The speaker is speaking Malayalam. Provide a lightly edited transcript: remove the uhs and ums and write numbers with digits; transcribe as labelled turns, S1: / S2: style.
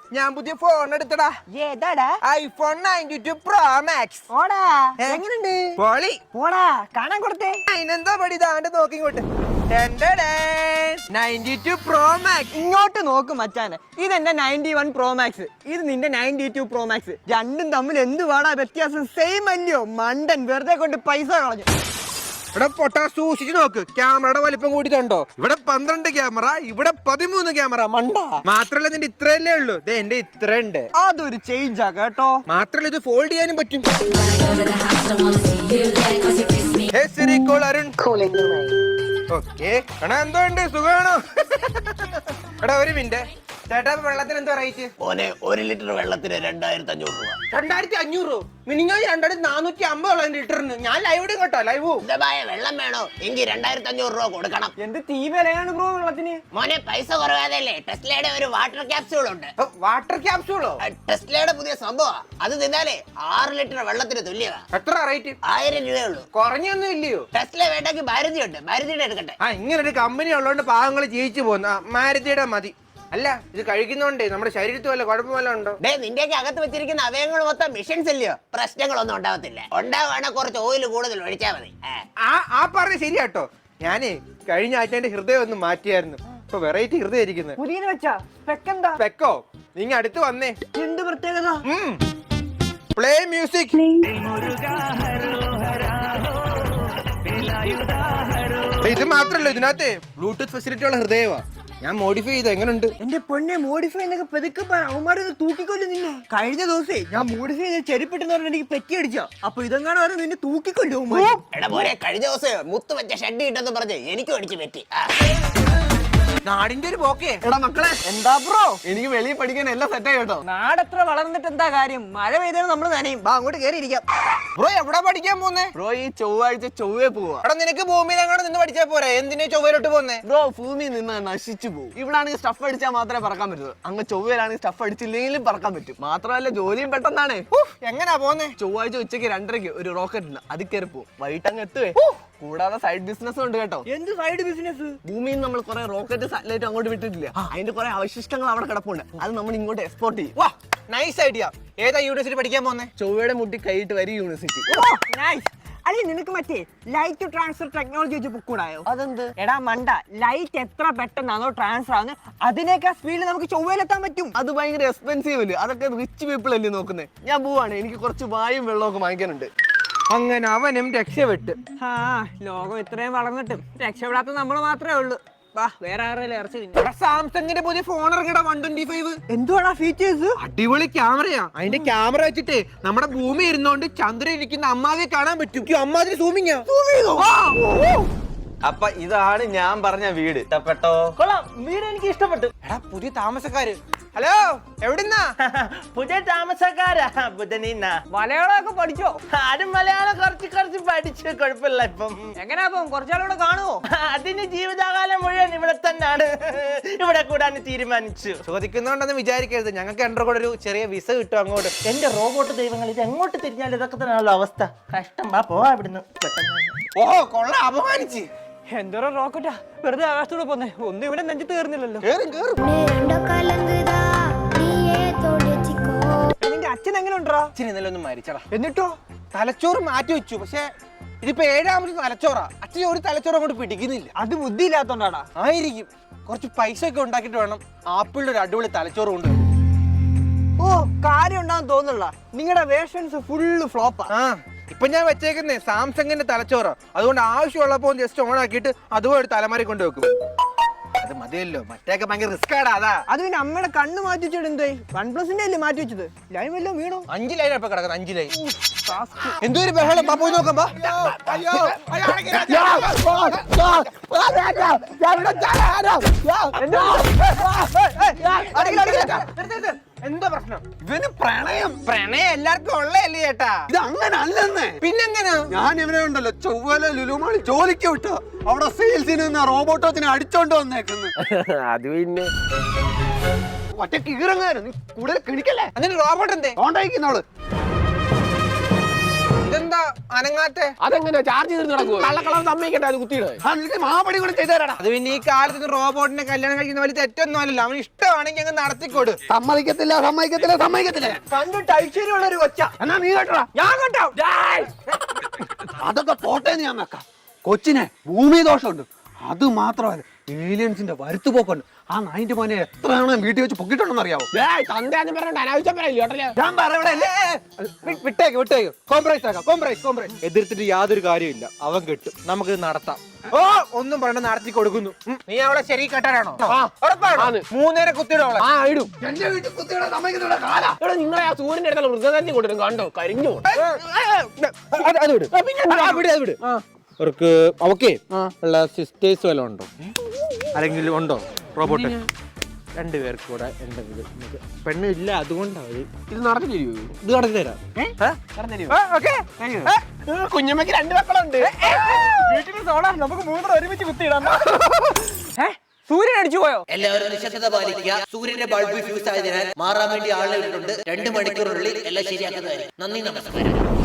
S1: ഞാൻ പുതിയ ഫോൺ എടുത്തടാ.
S2: ഏതാടാ?
S1: IPhone 92 Pro Max.
S2: ഓടാ എങ്ങനെയുണ്ട്?
S1: പൊളി.
S2: പോടാ കാണാൻ കൊടുത്തേ.
S1: അതിനെന്താ പടി ഇതാണ്ട് നോക്കി ഇങ്ങോട്ട്. 92 Pro Max.
S2: ഇങ്ങോട്ട് നോക്ക് മച്ചാനെ, ഇതെന്റെ 91 Pro Max, ഇത് നിന്റെ 92 Pro Max. രണ്ടും തമ്മിൽ എന്ത് വേടാ വ്യത്യാസം? സെയിം അല്ലയോ മണ്ടൻ, വെറുതെ കൊണ്ട് പൈസ കളഞ്ഞു.
S1: ഇവിടെ പൊട്ടാ സൂക്ഷിച്ചു നോക്ക്, ക്യാമറയുടെ വലിപ്പം കൂടിയിട്ടുണ്ടോ? ഇവിടെ 12 ക്യാമറ, ഇവിടെ 13 ക്യാമറ. മണ്ട. മാത്രല്ല ഇതിന്റെ ഇത്രയല്ലേ ഉള്ളൂ, എന്റെ ഇത്ര ഉണ്ട്.
S2: അതൊരു ചേഞ്ചാ കേട്ടോ.
S1: മാത്രല്ല ഇത് ഫോൾഡ് ചെയ്യാനും പറ്റും. ഓക്കെ എന്തോ ഉണ്ട്, സുഖമാണോ? എടാ ഒരു മിനിറ്റ് ചേട്ടാ, വെള്ളത്തിന് എന്താ റേറ്റ്?
S3: 1 ലിറ്റർ വെള്ളത്തിന് 2500 രൂപ.
S1: 2500? മിനിഞ്ഞാ 2450 ലിറ്ററിന്. ഞാൻ ലൈവ് ഇടും കേട്ടോ, ലൈവ്.
S3: വെള്ളം വേണോ എങ്കിൽ 2500 രൂപ കൊടുക്കണം.
S2: എന്ത് തീ വിലയാണ് ബ്രോ വെള്ളത്തിന്?
S3: മോനെ പൈസ കുറവാതല്ലേ, ടെസ്ലയുടെ ഒരു വാട്ടർ ക്യാപ്സ്യൂൾ ഉണ്ട്.
S1: വാട്ടർ ക്യാപ്സ്യൂളോ?
S3: ടെസ്ലയുടെ പുതിയ സംഭവം. അത് തിന്നാലേ 6 ലിറ്റർ വെള്ളത്തിന് തുല്യമാ.
S1: എത്ര റേറ്റ്?
S3: 1000 രൂപയുള്ളൂ.
S1: കുറഞ്ഞൊന്നും ഇല്ലയോ?
S3: ടെസ്ല വേണ്ടെങ്കിൽ മാരുതി ഉണ്ട്, മാരുതിയുടെ എടുക്കട്ടെ.
S1: ഇങ്ങനെ ഒരു കമ്പനി ഉള്ളതുകൊണ്ട് പാവങ്ങൾ ജീവിച്ചു പോകുന്ന. മാരുതിയുടെ മതി. അല്ല ഇത് കഴിക്കുന്നോണ്ടേ നമ്മുടെ ശരീരത്തിൽ വല്ല കുഴപ്പം വല്ല ഉണ്ടോ?
S3: നിന്റെയൊക്കെ അകത്ത് വെച്ചിരിക്കുന്ന അവയവങ്ങൾ മൊത്തം മിഷൻസ് ഇല്ലയോ, പ്രശ്നങ്ങളൊന്നും ഉണ്ടാവത്തില്ല. ഉണ്ടാവുകയാണെങ്കിൽ കുറച്ച് ഓയിൽ കൂടുതൽ ഒഴിച്ചാൽ മതി.
S1: ആ പറഞ്ഞ ശരിയാട്ടോ. ഞാനേ കഴിഞ്ഞ ആഴ്ച എന്റെ ഹൃദയം ഒന്ന് മാറ്റിയായിരുന്നു. ഇപ്പൊ വെറൈറ്റി ഹൃദയം ഇരിക്കുന്നത്.
S2: പുതിയത് വെച്ചാ പെക്കെന്താ?
S1: പെക്കോ? നീ അടുത്ത് വന്നേ.
S2: എന്ത് പ്രത്യേകത?
S1: Play music. ഇത് മാത്രല്ല, ഇതിനകത്ത് ബ്ലൂടൂത്ത് ഫെസിലിറ്റി ഉള്ള ഹൃദയമാ. ഞാൻ മോഡിഫൈ ചെയ്ത. എങ്ങനെയുണ്ട്?
S2: എന്റെ പൊന്നെ, മോഡിഫൈ എന്നൊക്കെ പെതുക്കെ അവന്മാരൊന്ന് തൂക്കിക്കൊല്ലും നിന്നെ. കഴിഞ്ഞ ദിവസേ ഞാൻ മോഡിഫൈ ചെയ്ത് ചെരുപ്പിട്ടെന്ന് പറഞ്ഞ എനിക്ക് പെറ്റി അടിച്ചാ. അപ്പൊ ഇതെങ്ങാണ് പറഞ്ഞ നിന്നെ തൂക്കിക്കൊല്ലും.
S3: എടാ പോലെ കഴിഞ്ഞ ദിവസം മുത്ത് വെച്ച ഷെഡ് കിട്ടെന്ന് പറഞ്ഞ് എനിക്കും അടിച്ച് പറ്റി.
S1: നാടിന്റെ ഒരു പോക്കേ.
S2: എടാ മക്കളെ, എന്താ ബ്രോ? എനിക്ക് വെളിയിൽ പഠിക്കാൻ എല്ലാം സെറ്റായി കേട്ടോ. നാടെത്ര വളർന്നിട്ട് എന്താ കാര്യം? മഴ പെയ്താലും നമ്മള് നനയും. ബാ അങ്ങോട്ട് കയറി ഇരിക്കാം.
S1: ബ്രോ എവിടെ പഠിക്കാൻ പോന്നേ?
S2: ബ്രോ ഈ ചൊവ്വാഴ്ച ചൊവ്വേ പോവാ.
S1: എടാ നിനക്ക് ഭൂമിയിൽ അങ്ങോട്ട് നിന്ന് പഠിച്ചാ പോരെ, എന്തിനാ ചൊവ്വയിലോട്ട് പോന്നേ?
S2: ബ്രോ ഭൂമിയിൽ നിന്ന് നശിച്ചു പോകും. ഇവിടെ ആണെങ്കിൽ സ്റ്റഫ് അടിച്ചാൽ മാത്രമേ പറക്കാൻ പറ്റൂ. അങ്ങ് ചൊവ്വയിലാണെങ്കിൽ സ്റ്റഫ് അടിച്ചില്ലെങ്കിലും പറക്കാൻ പറ്റും. മാത്രമല്ല ജോലിയും പെട്ടെന്നാണ്.
S1: എങ്ങനാ പോന്നേ?
S2: ചൊവ്വാഴ്ച ഉച്ചയ്ക്ക് 2:30 ഒരു റോക്കറ്റ് ഉണ്ട്, അതിൽ കയറി പോകും. വൈകിട്ട് അങ്ങ് എത്തുവേ. കൂടാതെ സൈഡ് ബിസിനസ് ഉണ്ട് കേട്ടോ. എന്ത് സൈഡ് ബിസിനസ്? ഭൂമിയിൽ നമ്മൾ കുറെ റോക്കറ്റ് സാറ്റലൈറ്റ് അങ്ങോട്ട് വിട്ടിട്ടില്ല, അതിന്റെ കുറെ അവശിഷ്ടങ്ങൾ അവിടെ കിടപ്പുണ്ട്. അത് നമ്മൾ ഇങ്ങോട്ട് എക്സ്പോർട്ട് ചെയ്യും.
S1: വാ നൈസ് ഐഡിയ. ഏതാ യൂണിവേഴ്സിറ്റി പഠിക്കാൻ പോന്നേ?
S2: ചൊവ്വയുടെ മുട്ടി കൈയിട്ട് വരി യൂണിവേഴ്സിറ്റി. അല്ലെ നിനക്ക് മറ്റേ ലൈറ്റ് ട്രാൻസ്ഫർ ടെക്നോളജി വെച്ച് പൊക്കൂടായോ? അതെന്ത്? എടാ മണ്ട, ലൈറ്റ് എത്ര പെട്ടെന്നാണോ ട്രാൻസ്ഫർ ആവുന്നത് അതിനേക്കാൾ സ്പീഡിൽ നമുക്ക് ചൊവ്വയിലെത്താൻ പറ്റും. അത് ഭയങ്കര എക്സ്പെൻസീവ് അല്ലേ, അതൊക്കെ റിച്ച് പീപ്പിൾ അല്ലേ നോക്കുന്നത്. ഞാൻ പോവാണ്, എനിക്ക് കുറച്ച് വായും വെള്ളമൊക്കെ വാങ്ങിക്കാനുണ്ട്.
S1: അങ്ങനെ അവനും രക്ഷപ്പെട്ട്.
S2: ലോകം ഇത്രയും വളർന്നിട്ടും രക്ഷപ്പെടാത്ത നമ്മൾ മാത്രമേ ഉള്ളൂ. വേറെ ആരെങ്കിലും ഇറച്ചി.
S1: സാംസങ്ങിന്റെ പുതിയ ഫോൺ ഇറങ്ങടാ 125.
S2: എന്തുവാടാ ഫീച്ചേഴ്സ്?
S1: അടിപൊളി ക്യാമറയാ. അതിന്റെ ക്യാമറ വെച്ചിട്ട് നമ്മുടെ ഭൂമി ഇരുന്നോണ്ട് ചന്ദ്രൻ ഇരിക്കുന്ന അമ്മാതിയെ കാണാൻ പറ്റും. അമ്മാതിരി സൂമിങ്ങാ.
S4: അപ്പൊ ഇതാണ് ഞാൻ പറഞ്ഞ വീട്. ഇഷ്ടപ്പെട്ടോ?
S2: കൊള്ളാം, വീട് എനിക്ക് ഇഷ്ടപ്പെട്ടു.
S1: എടാ പുതിയ താമസക്കാര്. ഹലോ, എവിടുന്നാ?
S4: പുതിയ താമസക്കാരാ. ബുധനീന്ന
S2: മലയാളമൊക്കെ പഠിച്ചോ?
S4: ആരും മലയാളം കുറച്ച് പഠിച്ചു, കുഴപ്പമില്ല. ഇപ്പം
S2: എങ്ങനെയാ കുറച്ചാളൂടെ കാണുമോ?
S4: അതിന് ജീവിതകാലം മുഴുവൻ ഇവിടെ തന്നെയാണ്. ഇവിടെ കൂടാൻ തീരുമാനിച്ചു.
S1: ചോദിക്കുന്നുണ്ടെന്ന് വിചാരിക്കരുത്, ഞങ്ങൾക്ക് എന്റെ കൂടെ ഒരു ചെറിയ വിസ കിട്ടും അങ്ങോട്ട്.
S4: എന്റെ റോബോട്ട് ദൈവങ്ങൾ, ഇത് എങ്ങോട്ട് തിരിഞ്ഞാലും ഇതൊക്കെ തന്നെയാണല്ലോ അവസ്ഥ. കഷ്ടം. പോവാ ഇവിടുന്ന്.
S1: ഓഹോ കൊള്ളാം, അപമാനിച്ച്.
S2: എന്തോരം റോക്കറ്റാ വെറുതെ ആകാശത്തൂടെ പോന്നെ. ഒന്നും ഇവിടെ നെഞ്ചത്ത് കയറുന്നില്ലല്ലോ. നിന്റെ അച്ഛൻ എങ്ങനെ ഉണ്ടാ?
S1: അച്ഛൻ ഇന്നലെ ഒന്നും മരിച്ചടാ.
S2: എന്നിട്ടോ?
S1: തലച്ചോറ് മാറ്റി വെച്ചു. പക്ഷെ ഇതിപ്പോ 7ാമത് തലച്ചോറാ. അച്ഛൻ ഒരു തലച്ചോറ് അങ്ങോട്ട് പിടിക്കുന്നില്ല.
S2: അത് ബുദ്ധിയില്ലാത്തോണ്ടാടാ.
S1: ആയിരിക്കും. കുറച്ച് പൈസ ഒക്കെ ഉണ്ടാക്കിട്ട് വേണം ആപ്പിളിന്റെ ഒരു അടിപൊളി തലച്ചോറ് കൊണ്ടുവരും.
S2: ഓ കാര്യം ഉണ്ടാകും തോന്നില്ല. നിങ്ങളുടെ വേർഷൻസ് ഫുള്ള് ഫ്ലോപ്പാ.
S1: ഇപ്പൊ ഞാൻ വെച്ചേക്കുന്നേ സാംസങ്ങിന്റെ തലച്ചോറ്. അതുകൊണ്ട് ആവശ്യമുള്ളപ്പോ ജസ്റ്റ് ഓൺ ആക്കിയിട്ട് അതുപോലെ ഒരു തലമാരി കൊണ്ട് വെക്കും. അത് മതിയല്ലോ, മറ്റേക്ക് ഭയങ്കര റിസ്ക് ആടാ. അതാ അത് പിന്നെ അമ്മയുടെ കണ്ണ് മാറ്റി വെച്ചിട്ട് എന്തായി? OnePlus-ന്റെ അല്ലേ മാറ്റി വെച്ചത്? ലൈൻ വല്ലോ വീണോ? 5 ലൈൻ ഇപ്പൊ കിടക്കുന്നത്. 5 ലൈൻ. എന്തൊരു ബഹളം. പോയി നോക്കാം. എന്താ പ്രശ്നം?
S4: ഇവന് പ്രണയം
S1: എല്ലാവർക്കും ഉള്ളതല്ലേ ചേട്ടാ?
S4: ഇത് അങ്ങനെ അല്ലെന്നേ.
S1: പിന്നെങ്ങനാ?
S4: ഞാൻ ഇവനെ ഉണ്ടല്ലോ ചൊവ്വല ലുലുമാളി ജോലിക്ക് വിട്ടു. അവിടെ സെയിൽസിന് നിന്ന് റോബോട്ടോത്തിനെ അടിച്ചോണ്ട് വന്നേക്കുന്നു.
S1: അത് പിന്നെ
S4: ഒറ്റ കീറങ്ങാനും നീ കൂടുതൽ കിണിക്കല്ലേ.
S1: അങ്ങനെ റോബോട്ട് എന്തേ
S4: കോണ്ടായിക്കുന്നവള്.
S1: ഇതെന്താ അനങ്ങാത്തെ?
S5: അതെങ്ങനെ ചാർജ് ചെയ്ത് നടക്കുമോ? കള്ളക്കളർ സമ്മതിക്കട്ടെ അത് കുത്തിയിടേ.
S4: മാപടി കൂടെ ചെയ്തേരാടാ.
S1: അത് പിന്നെ ഈ കാലത്ത് റോബോട്ടിനെ കല്യാണം കഴിക്കുന്ന വലിയ തെറ്റൊന്നും അല്ലല്ലോ. അവന് ഇഷ്ടമാണെങ്കിൽ അങ്ങ് നടത്തിക്കൊടു.
S4: സമ്മതിക്കത്തില്ല.
S2: കണ്ടിട്ട് ഐശ്വര്യമുള്ള ഒരു കൊച്ച.
S4: എന്നാ നീ കേട്ടോടാ.
S2: ഞാൻ കേട്ടോ.
S4: അതൊക്കെ പോട്ടേന്ന് ഞാൻ വെക്കാം. കൊച്ചിനെ ഭൂമി ദോഷമുണ്ട്. അത് മാത്രമല്ല ഏലിയൻസിന്റെ വരുത്തുപോക്കുണ്ട്. ആ നായിന്റെ മോനെ എത്ര തവണ വീട്ടിൽ വെച്ച് പൊക്കിട്ടുണ്ടെന്ന് അറിയാവോ?
S5: തന്തയാന്ന് പറഞ്ഞോണ്ട് അനാവശ്യം പറയില്ല കേട്ടല്ലേ.
S4: ഞാൻ പറയണേ
S1: വിട്ടേക്ക് കോംപ്രമൈസ് ആക്കാം. കോംപ്രമൈസ് എതിർത്തിട്ട് യാതൊരു കാര്യമില്ല. അവൻ കിട്ടും, നമുക്ക് നടത്താം. ഓ ഒന്നും പറഞ്ഞ നടത്തി കൊടുക്കുന്നു. നീ അവളെ ശരി കെട്ടാനാണോ? ഉറപ്പാണ്. 3 കുത്തിയിടും അവളെ.
S5: ആ ഇടും.
S4: എന്റെ വീട്ടിൽ കുത്തിയുടെ സമ്മതിക്കുന്നില്ല കാലാ.
S5: എടാ നിങ്ങളെ ആ സൂര്യന്റെ അടുത്തുള്ള മൃഗതന്നെ കൊണ്ടിരും കണ്ടോ കരിഞ്ഞു.
S1: അത് വിട്. വിട്. അവർക്ക് ഓക്കെ ഉള്ള സിസ്റ്റേഴ്സ് വല്ലതും ഉണ്ടോ? അല്ലെങ്കിൽ ഉണ്ടോ റോബോട്ട്? 2 പേർക്ക് കൂടെ എന്തെങ്കിലും പെണ്ണ് ഇല്ല, അതുകൊണ്ടാണ്
S5: ഇത് നടത്തി തരുമോ?
S1: ഇത് നടത്തി തരാം.
S5: കുഞ്ഞമ്മക്ക് 2 മക്കളുണ്ട്.
S2: വീട്ടിൽ സോളാർ നമുക്ക് 3 ഒരുമിച്ച് കുത്തിയിടാം. സൂര്യൻ അടിച്ചു പോയോ?
S6: എല്ലാവരും നിശബ്ദത പാലിക്കുക. സൂര്യന്റെ ബൾബ് ഫ്യൂസ് ആയതിനാൽ മാറാൻ വേണ്ടി ആളെ ഇട്ടിട്ടുണ്ട്. 2 മണിക്കൂറിനുള്ളിൽ എല്ലാം ശരിയാക്കുന്നതായിരിക്കും. നന്ദി, നമസ്കാരം.